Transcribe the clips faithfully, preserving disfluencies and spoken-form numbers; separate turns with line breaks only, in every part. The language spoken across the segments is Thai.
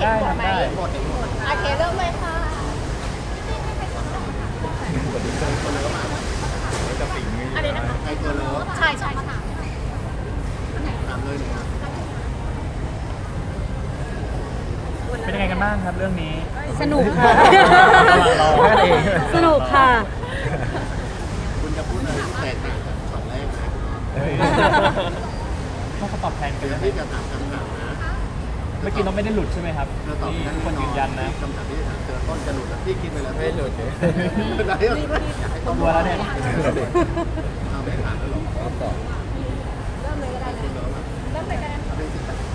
ได้ทำได้
หมดเห็นหมด
โอเคเริ่มเลยค่ะ
จะสิ่งนี้
อันนี้นะคะ
ใครตัวเลิฟ
ใช่ใช่ใช่
ถามเลยหนึ่งครับ
เป็นยังไงกันบ้างครับเรื่องนี้
สนุกค่ะ
รอแค่เอง
สนุกค่ะ
คุณจะพูดอะไรแตกต่างจากช็อตแรกนะ
ต้องเขาตอบแทนกัน
เดี๋ยว
นะ
ที่จะถามคำถามนะ
เมื่อกี้เราไม่ได้หลุดใช่ไหมครับ
เธอตอบ
นี่
ได้
ทุกคนยืนยันนะ
คำถามที่จะถามเธอต้นจะหลุดแล้วพี่คิดไปแล้ว
ไม่หลุดเลย
ได้แล้วต้อง
กลัวแล้วเนี่ย
เอาไม่ถามแล้วหรอตอบ
เริ่มเลยก็ได้นะเริ่มเลยก็ได้
เป็นสิบแปด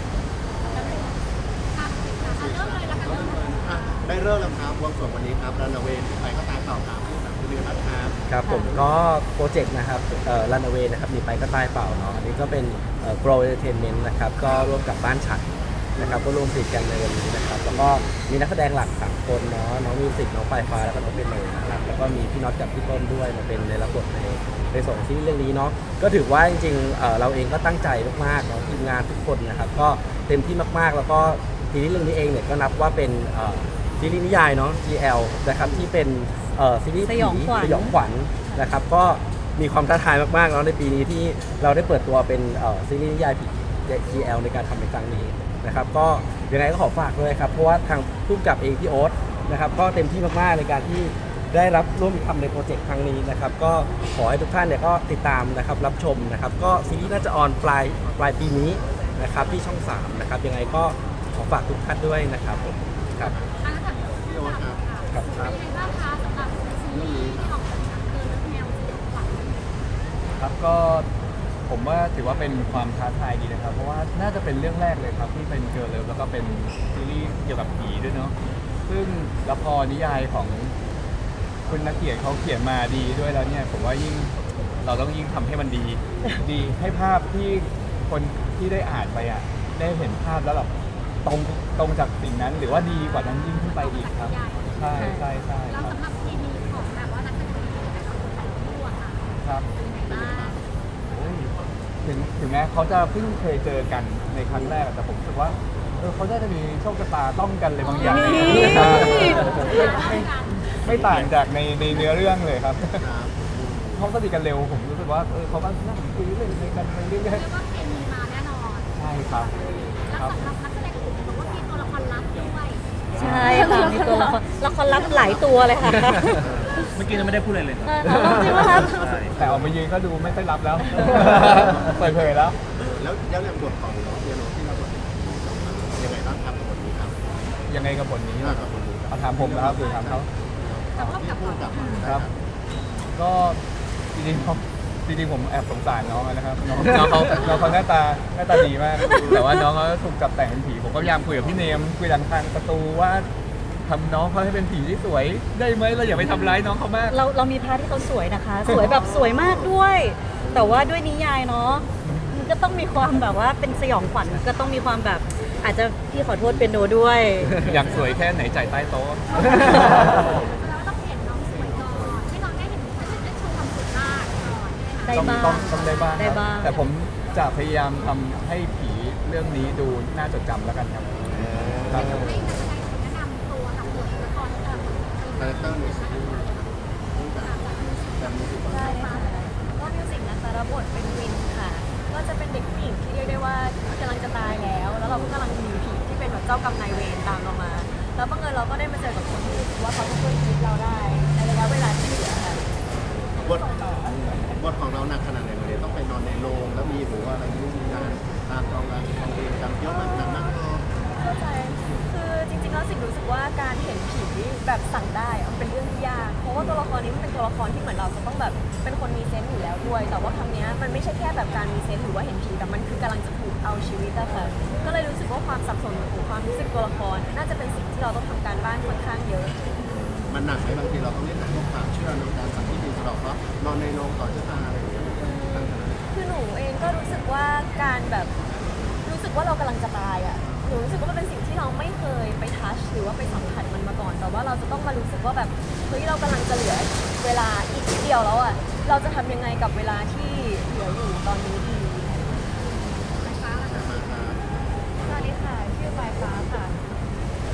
เริ่มเลยละกันเริ่มเลย
อ่ะได้เริ่มแล้วครับวงสวงวันนี้ครับรันเวย์ไปก็ตายเต่าถามผู้ถามคุณเรียนรัฐครับ
ครับผมก็โปรเจกต์นะครับเอ่อ Runaway นะครับมีไปก็ตายเปล่าเนาะอันนี้ก็เป็นเอ่อ Grow Entertainment นะครับก็ร่วมกับบ้านฉัดนะครับก็ร่วมผลิตกันในวันนี้นะครับแล้วก็มีนักแสดงหลักสามคนเนาะน้องมิวสิกน้องปลายฟ้าแล้วก็น้องเป็นโนนะครับแล้วก็มีพี่น็อตกับพี่ต้นด้วยมาเป็นในรับบทในในส่วนของซีรีส์เรื่องนี้เนาะก็ถือว่าจริงๆเอ่อเราเองก็ตั้งใจมากๆเนาะทีมงานทุกคนนะครับก็เต็มที่มากๆแล้วก็ซีรีส์เรื่องนี้เองเนี่ยก็นับว่าเป็นเอ่อซีรีส์นิยายเนาะ จี แอล นะครับที่เป็นเอ่อซีรีส์
สยองขวัญ
สยองขวัญนะครับก็มีความท้าทายมากๆแล้วในปีนี้ที่เราได้เปิดตัวเป็นเอ่อซีรีส์นิยายผี จี แอล ในการทำในครั้งนี้นะครับก็ยังไงก็ขอฝากด้วยครับเพราะว่าทางผู้กำกับเองพี่โอ๊ตนะครับก็เต็มที่มากๆในการที่ได้รับร่วมทำในโปรเจกต์ครั้งนี้นะครับก็ขอให้ทุกท่านเนี่ยก็ติดตามนะครับรับชมนะครับก็ซีรีส์น่าจะออนปลายปลายปีนี้นะครับที่ช่องสามนะครับยังไงก็ขอฝากทุกท่านด้วยนะครับผมครับ
พี่โอ๊ตครับ
ครับ
เป็นยังไงบ้างคะสำหรับซีรีส์ที่ออกมาเดินแนวสยองขวัญ
ครับก็ผมว่าถือว่าเป็นความท้าทายดีนะครับ เพราะว่าน่าจะเป็นเรื่องแรกเลยครับที่เป็นเกิร์ลเลิฟแล้วก็เป็นซีรีส์เกี่ยวกับผีด้วยเนาะซึ่งละครนิยายของคุณนักเขียนเขาเขียนมาดีด้วยแล้วเนี่ยผมว่ายิ่งเราต้องยิ่งทำให้มันดี ดีให้ภาพที่คนที่ได้อ่านไปอ่ะได้เห็นภาพแล้วแบบตรงตรงจากสิ่งนั้น หรือว่าดีกว่านั้นยิ่งขึ้นไปอีกครับใช่ใช่ใช่
แล้ว
ครับ
สำหรับทีมีของแบบว่านักแสดงที่เป็นของแต่ละคู่อะค่ะ
ครับ
เป็นยังไงบ้าง
โอ้ยถึงถึงแม้เขาจะเพิ่งเคยเจอกันในครั้งแรกแต่ผมรู้สึกว่าเออเขาได้จะมีโชคชะตาต้องกันเลยบางอย่าง
นี่
ใช่ไม่ไม่ต่างจากในในเนื้อเรื่องเลยครับ
ครับ
เขาสนิทกันเร็วผมรู้สึกว่าเออเขาก็นั่งคุยเล่นกันไปเรื่อย
เรียกว่าเคมีมาแน่นอน
ๆใช่ครับ
แล้วสำหรับนักแสดงอื่นบอกว่ามีตัวละครลับด้วย
ใช่ค่ะมีตัวละครละครลับหลายตัวเลยค่ะ
เมื่อกี้ยังไม่ได้พูดอะไรเลย
เออจริงไหมครับ
แต่ออกมายืนก็ดูไม่ค่อยรับแล้ว เปิดเผยแล้ว
แล้วแล้วเรื่องบทของน้องเปียโนที่เราบทยังไงบ้างครับกับบทนี้ครับ
ยังไงกับบทนี้
น่ากับบทนี้ครับ
เอาถามผมนะครับหรือถามเขา
กับพ่อกับพ่อกับ
ครับ ก็จริงๆเขาจริงๆผมแอบสงสารน้องนะครับน้องน้องเขาน้องเขาหน้าตาหน้าตาดีมาก แต่ว่าน้องเขาถูกจับแต่งเป็นผีผมก็พยายามคุยกับพี่เนมคุยทางทางประตูว่าทำน้องเขาให้เป็นผีที่สวยได้ไหมเราอย่าไปทำร้ายน้องเขามาก
เราเรามีพาร์ทที่เขาสวยนะคะ สวยแบบสวยมากด้วย แต่ว่าด้วยนิยายเนาะมันก็ต้องมีความแบบว่าเป็นสยองขวัญก็ต้องมีความแบบอาจจะพี่ขอโทษเป็นโนด้วย
อยากสวยแค่ไหนจ่ายใต้โต๊ะ
แล้วต้องเห็นน้องสวยก่อนให้น้องได้เห็นได้โชว์ความสวยมากก่อน
ได้
ต้อง
บ้าง
ต้องต้องได้บ้าง
ได้
ครับ
บ้าง
แต่ผมจะพยายามทำให้ผีเรื่องนี้ดูน่าจดจำแล้วกันครับครับ
ให้นักแสดงแนะนำตัวกับบทละครเอ่อ
คาแรคเตอร์ในซีรีส์ผู้กับแบบนี้ดีกว่า
ได้ค่ะก็มิวสิกนะคะรับบทเป็นวินค่ะ ก็จะเป็นเด็กผู้หญิงที่เรียกได้ว่ากำลังจะตายแล้ว แล้วเราก็กำลังหนีผีที่เป็นแบบเจ้ากรรมนายเวรตามเรามา แล้วบังเอิญเราก็ได้มาเจอกับคนที่รู้สึกว่าเขาจะช่วยชีวิตเราได้ในระยะเวลาที่เหลือค่ะ
บทบทของเราหนักขนาดไหนเลยต้องไปนอนในโรงแล้วมีหรือว่าอะไรยุ่งยากตามกองงานกองเวรจำเยอะมากหนักมาก
เข้าใจ คือจริงๆแล้วสิ่งรู้สึกว่าการเห็นผีแบบสั่งได้อะมันเป็นเรื่องที่ยาก เพราะว่าตัวละครนี้มันเป็นตัวละครที่เหมือนเราจะต้องแบบเป็นคนมีเซนส์อยู่แล้วด้วย แต่ว่าครั้งเนี้ยมันไม่ใช่แค่แบบการมีเซนส์หรือว่าเห็นผีแต่มันคือกำลังจะถูกเอาชีวิตอะค่ะ ก็เลยรู้สึกว่าความสับสนของความรู้สึกตัวละคร น่าจะเป็นสิ่งที่เราต้องทำการบ้านค่อนข้างเยอะ
มันหนักไหมบางทีเราต้องเล่นหนังพวกความเชื่อในการสัมผัสที่สะดอกเพราะนอนในโรงต่อชะตาอะไรอย่างเงี้ยมันก็ต่างกัน
คือหนูเองก็รู้สึกว่าการแบบรู้สึกว่าเรากำลังจะตายอ่ะหนูรู้สึกว่ามันเป็นสิ่งที่เราไม่เคยไปทัชหรือว่าไปสัมผัสมันมาก่อน แต่ว่าเราจะต้องมารู้สึกว่าแบบเฮ้ยเรากำลังจะเหลือเวลาอีกนิดเดียวแล้วอ่ะเราจะทำยังไงกับเวลาที่เหลืออยู่ตอนนี้ดี
ไฟฟ้าล่ะ
แต่มาครับ
สวัสดีค่ะชื่อปลายฟ้าค่ะ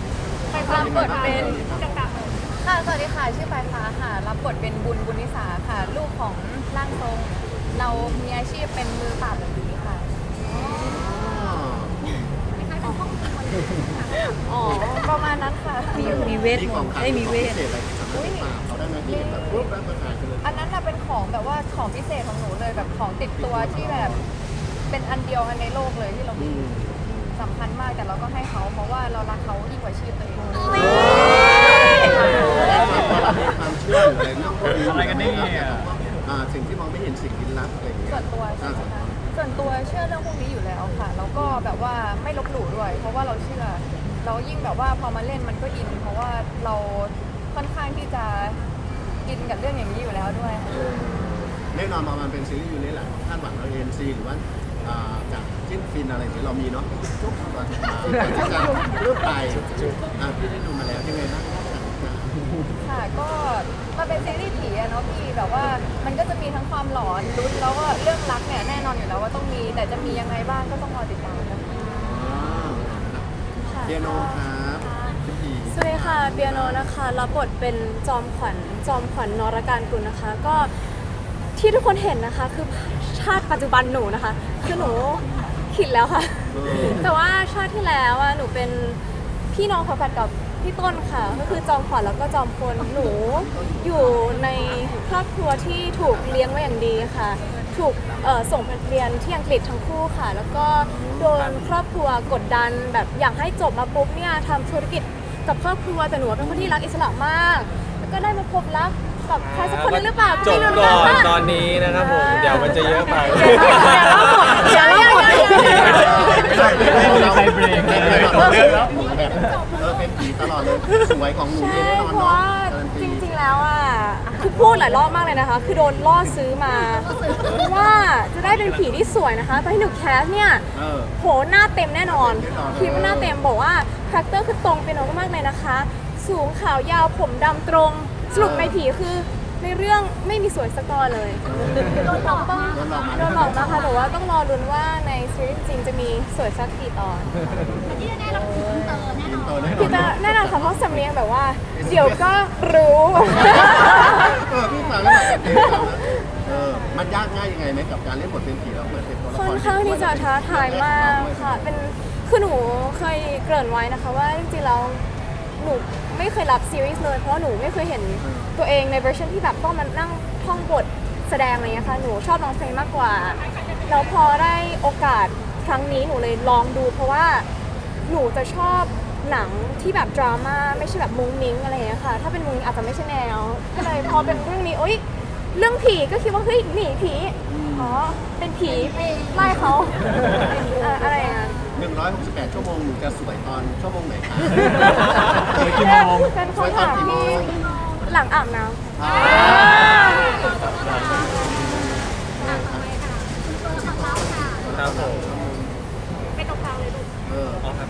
รับบทเป็นค่ะสวัสดีค่ะชื่อปลายฟ้าค่ะรับบทเป็นบุญบุญนิสาค่ะ ลูกของร่างทรง เรามีอาชีพเป็นมือปราบผีค่ะ
คล้ายๆเป็นห้องครัวเลย
อ๋อประมาณนั้นค่ะ
มีมีเวท
มี
ม
ของ
นต์
ขาย
ได้ยมีเวท
พิเศษอะไรที่สามารถติดตามเขาได้ไหมที่เห็นแบบรูปร่างประกายกันเลย
อันนั้นน่ะเป็นของแบบว่าของพิเศษของหนูเลยแบบของติดตัวที่แบบเป็นอันเดียวอันในโลกเลยที่เรา
อื
มี
ม
สำคัญมากแต่เราก็ให้เขาเพราะว่าเรารักเขายิ่งกว่าชีพตัวเอง
ความเชื่อหรืออะไรเรื่องพวกนี้
อะไรกันเนี่ย
อ่าสิ่งที่มองไม่เห็นสิ่งลี้ลับอะไรอย่างเงี้ย
ส่วนตัวใช่ไหมคะส่วนตัวเชื่อเรื่องพวกนี้อยู่แล้วค่ะแล้วก็แบบว่าไม่ลบหลู่ด้วย เพราะว่าเราเชื่อ เรายิ่งแบบว่าพอมาเล่นมันก็อิน เพราะว่าเราค่อนข้างที่จะอินกับเรื่องอย่างนี้อยู่แล้วด้วยค่ะ
แน่นอนมามันเป็นซีรีส์อยู่นี่แหละคาดหวังเราเอ็นซีหรือว่าอ่าจากจิ้นฟินอะไรอย่างเงี้ยเรามีเนาะจุ๊บตอนสุดท้ายก่อนที่จะเริ่มไปอ่าพี่ได้ดูมาแล้วยังไงบ้าง
ค่ะก็มันเป็นซีรีส์ผีอะเนาะพี่แบบว่ามันก็จะมีทั้งความหลอนลุ้นแล้วก็เรื่องรักเนี่ยแน่นอนอยู่แล้วว่าต้องมีแต่จะมียังไงบ้างก็ต้องรอติดตามนะคะ
เปียโนครับพี่
สวัสดีค่ะเปียโนนะคะรับบทเป็นจอมขวัญจอมขวัญนรการกุลนะคะ ก็ที่ทุกคนเห็นนะคะคือชาติปัจจุบันหนูนะคะคือหนูขิดแล้วค่ะ แต่ว่าชาติที่แล้วอะหนูเป็นพี่น้องฝาแฝดกับพี่ต้นค่ะ ก็คือจอมขวัญแล้วก็จอมพลหนูอยู่ในครอบครัวที่ถูกเลี้ยงไว้อย่างดีค่ะ ถูกเอ่อส่งไปเรียนที่อังกฤษทั้งคู่ค่ะ แล้วก็โดนครอบครัวกดดันแบบอยากให้จบมาปุ๊บเนี่ยทำธุรกิจกับครอบครัวแต่หนูเป็นคนที่รักอิสระมาก แล้วก็ได้มาพบรักกับใครสักคนนึงหรือเปล่า
จบ
ไม่รู้
ก่อน
ค่ะ
ตอนนี้นะครับผม เดี๋ยวมันจะเยอะไป
เดี๋ยวเล่าหมดเดี๋ยวเล่าหมด
ไม่มีใครเบรกเลย
แบบเออเป็นผีตลอดเลยสวยของหนู
ใช่
นี่แน่นอน
เพราะ
เนาะ
ว่า
การัน
จ
ตี
ริงๆแล้วอ่ะคือพูดหลายรอบมากเลยนะคะ คือโดนล่อซื้อมาว่าจะได้เป็นผีที่สวยนะคะตอนที่หนูแคสเนี่ย
เออ
โหหน้าเต็มแน่นอน
แน่นอน
คิดว่าหน้าเต็มบอกว่าคาแรคเตอร์คือตรงเป็นโนมากๆเลยนะคะ สูงขาวยาวผมดำตรงสรุปในผีคือในเรื่องไม่มีสวยสกอร์เลย
โดนหลอกมา
โดนหลอกมา
โดนหลอกนะคะแต่ว่าต้องรอลุ้นว่าในซีรีส์จริงจะมีสวยสักกี่ตอน
แต่ที่แน่ๆเราคืออินเตอร์แน่นอน
โตแน่น
พี่
อน
ตาแน่นอนค่ะเพราะสำเนียงแบบว่า เดี๋ยวก็รู้
เออพี่ฟังแล้วแบบเป็นฟังแล้วเออมันยากง่ายยังไงไหมกับการเล่นบทเป็นผีแล้วเหมือนเป็นตัวละคร
ค่อนข้างที่จะท้าทายมากค่ะ เป็น คือหนูเคยเกริ่นไว้นะคะว่าจริงๆแล้วหนูไม่เคยรับซีรีส์เลย เพราะว่าหนูไม่เคยเห็นตัวเองในเวอร์ชันที่แบบต้องมานั่งท่องบทแสดงอะไรเงี้ยค่ะ หนูชอบร้องเพลงมากกว่า แล้วพอได้โอกาสครั้งนี้หนูเลยลองดู เพราะว่าหนูจะชอบหนังที่แบบดราม่าไม่ใช่แบบมุ้งมิ้งอะไรเงี้ยค่ะ ถ้าเป็นมุ้งมิ้งอาจจะไม่ใช่แนว ก็เลยพอเป็นเรื่องนี้โอ๊ย เรื่องผีก็คิดว่าเฮ้ยหนีผี อ๋อ เป็นผีไล่เขาเอ่ออะไรอย่างเงี้ย
หนึ่งร้อยหกสิบแปดชั่วโมงหนูจะสวยตอนชั่วโมงไหนคะ
สวยกี่โมง
เป็นคำถามที่หลังอาบน้
อ่า
อ่ะต่อไปค่ะตัวละครลับค่ะ
ครับผม
เป็นตรงกลางเลยลูก
เออ
อ๋อครับ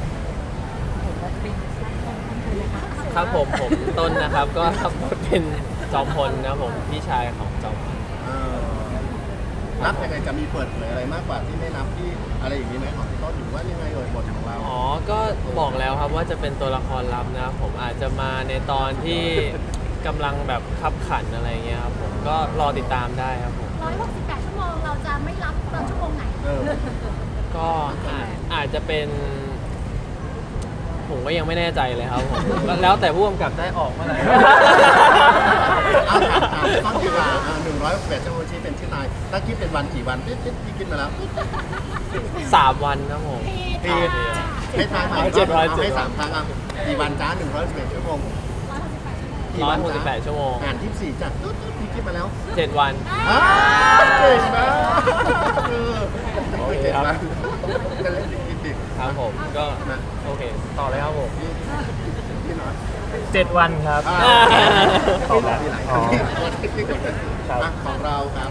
ครับผมผมต้นนะครับ ก็รับบทเป็นจอมพลนะครับผมพี่ชายของจอมพล
เออนับยังไงจะมีเปิดเผยอะไรมากกว่าที่ไม่นับที่อะไรอย่างนี้ไหมของพี่ต้นหรือว่ายังไงเอ่ยบทของเรา
อ๋อ ก็บอกแล้วครับว่าจะเป็นตัวละครลับนะครับผมอาจจะมาในตอนที่กำลังแบบขับขันอะไรเงี้ยครับผมก็รอติดตามได้ครับผม
ร้อยหกสิบแปดชั่วโมงเราจะไม่รับตอนชั่วโมงไหน
เออ
ก็อาจอาจจะเป็น ผมก็ยังไม่แน่ใจเลยครับผมแล้วแล้วแต่ผู้กำกับได้ออกเมื่อไหร่
เอาถามถามต้นดีกว่าหนึ่งร้อยหกสิบแปดชั่วโมงที่เป็นชื่อนายถ้าคิดเป็นวันกี่วันติ๊ดติ๊ดพี่คิดมาแล้ว
สามวันครับผม
ปีให้ทายใหม่
เจ็ดร้อยเจ็ด
ให้สามครั้งอ่ะกี่วันจ้าหนึ่งร้อยสิบเอ็ดชั่วโมง
ร้อยหกสิบแปดชั่วโมง
อ่านที่สี่จัดตุ๊ดตุ๊ดพี่คิดมาแล้ว
เจ็ดวัน
อ้าวเก่งนะเออ
โอเค
เก่ง
ครับ
นะจะเล่นดิดิ
ครับผมก็
นะ
โอเค ต่อเลยครับผม
พี่พี่น้อย
เจ็ดวันครับ
อ่า
ตอบแล้ว
มีหลายค
อ๋อ
รั้งอ่ะของเราครับ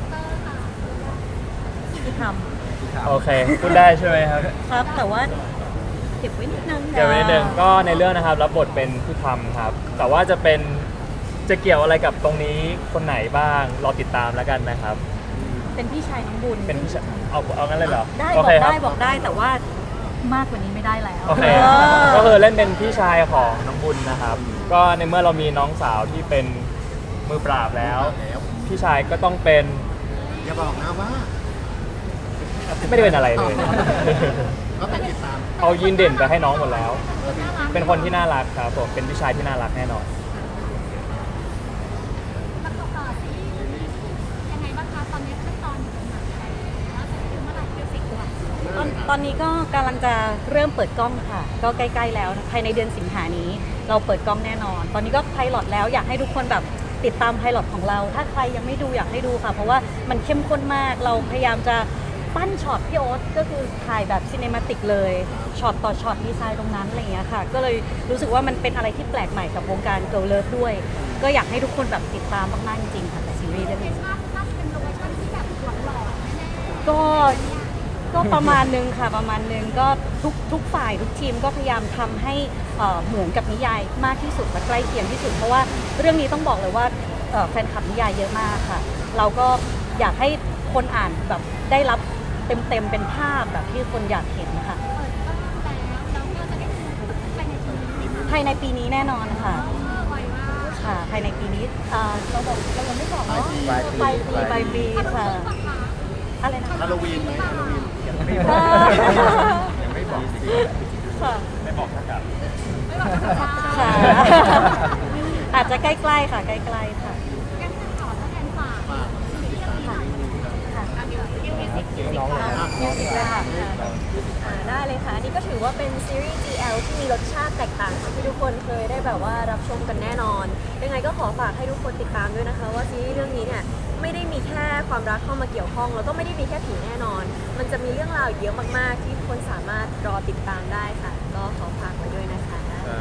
ำท
โอเคพูดได้ใช่ไหมครับ
ำครับ แต่ว่าเก็บไว้นิดนึง
เดี๋ยวนิดนึงก็ในเรื่องนะครับรับบทเป็นผู้ทำครับ แต่ว่าจะเป็นจะเกี่ยวอะไรกับตรงนี้คนไหนบ้างรอติดตามแล้วกันนะครับ
เป็นพี่ชายน้องบุญ
เป็นผู้ชายเอาเอางั้นเลยเหรอ
ได้
โอบ
อ
เค
ก
ครั
ได้บอกได้แต่ว่ามากกว่านี้ไม่ได้แล้ว
โอเค
เออ
ก็คือเล่นเป็นพี่ชายของน้องบุญนะครับ ก็ในเมื่อเรามีน้องสาวที่เป็นมือปราบแล้ว
แล้ว
พี่ชายก็ต้องเป็น
อย่าบอกนะว่า
ไม่ได้เป็นอะไรเลย
ก็เป็นติดตาม
เอายีนเด่นไปให้น้องหมดแล้ว
น่ารัก
เป็นคนที่น่ารักครับผม เป็นพี่ชายที่น่ารักแน่นอน
ประกอบต่อซีรีส์ยังไงบ้างคะตอนนี้ขั้นตอนอยู่ตรงไหนแล้วจะถึงเมื่อไหร่เดือนสิงหาคม
ตอนตอนนี้ก็กำลังจะเริ่มเปิดกล้องค่ะ ก็ใกล้ๆแล้วนะภายในเดือนสิงหานี้ เราเปิดกล้องแน่นอน ตอนนี้ก็ไพลอตแล้วอยากให้ทุกคนแบบติดตามไพลอตของเรา ถ้าใครยังไม่ดูอยากให้ดูค่ะ เพราะว่ามันเข้มข้นมาก เราพยายามจะปั้นช็อตพี่โอ๊ตก็คือถ่ายแบบซีเนมาติกเลยช็อตต่อช็อตดีไซน์ตรงนั้นอะไรอย่างเงี้ยค่ะ ก็เลยรู้สึกว่ามันเป็นอะไรที่แปลกใหม่กับวงการเกิร์ลเลิฟด้วย ก็อยากให้ทุกคนแบบติดตามมากๆจริงๆค่ะกับซีรีส์เรื่อง
เห็
นี้
นว่าน่าจะเป็นโลเคชั่นที่แบบหลอนๆแน่ๆ
ก็ก็ประมาณนึงค่ะประมาณนึงก็ทุกทุกฝ่ายทุกทีมก็พยายามทำให้เอ่อเหมือนกับนิยายมากที่สุดและใกล้เคียงที่สุด เพราะว่าเรื่องนี้ต้องบอกเลยว่าเอ่อแฟนคลับนิยายเยอะมากค่ะ เราก็อยากให้คนอ่านแบบได้รับเต็มๆเป็นภาพแบบที่คนอยากเห็นค่ะ
เปิดกล้องแล้วแล้วก็จะได้ดูภายในปีนี้
ภายในปีนี้แน่นอนค่ะ
เออไวมาก
ค่ะภายในปีนี้เอ่อเราบอกเรายังไม่บอกเนาะ
ปลายปี
ปลายปีปลายปีค่ะ
ปะคะ
อะไรนะคะ
ฮาโลวีนไหมฮาโลวีน
เออ
ยังไม่บอกสิ
ค่ะ
ไม่บอกถ้ากลับ
ไม่บอกจะ
ค่ะ อาจจะใกล้ๆค่ะใกล้ๆค่ะ
งั้นขอตัวแทนฝาก
ฝากติดตามซีรีส์นี้ครับ
ค่ะ
อันนี้ยูนิสิกยูนิ
น้องเลย
ค่ะ
มิวสิกเลยค่ะ
อ่าได้เลยค่ะอันนี้ก็ถือว่าเป็นซีรีส์ จี แอล ที่มีรสชาติแตกต่างจากที่ทุกคนเคยได้แบบว่ารับชมกันแน่นอน ยังไงก็ขอฝากให้ทุกคนติดตามด้วยนะคะ ว่าซีรีส์เรื่องนี้เนี่ยไม่ได้มีแค่ความรักเข้ามาเกี่ยวข้อง แล้วก็ไม่ได้มีแค่ผีแน่นอน มันจะมีเรื่องราวอีกเยอะมากๆ ที่ทุกคนสามารถรอติดตามได้ค่ะ ก็ขอฝากไว้ด้วยนะคะ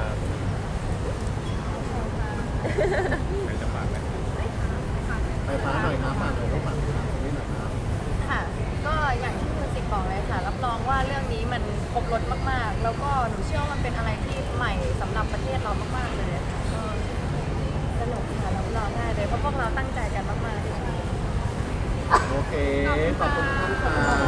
ไปฟ้าหน่อยครับฝากหน่อยก็ฝากนี่หน่อยครับ
ค่ะ ก็อย่างที่มิวสิกบอกเลยค่ะ รับรองว่าเรื่องนี้มันครบรสมากๆ แล้วก็หนูเชื่อว่ามันเป็นอะไรที่ใหม่สำหรับประเทศเรามากๆเลยค่ะก็สนุกค่ะรับรองได้เลยเพราะพวกเราตั้งใจกันมากๆ
โอเค ขอบคุณทุกท่านครับ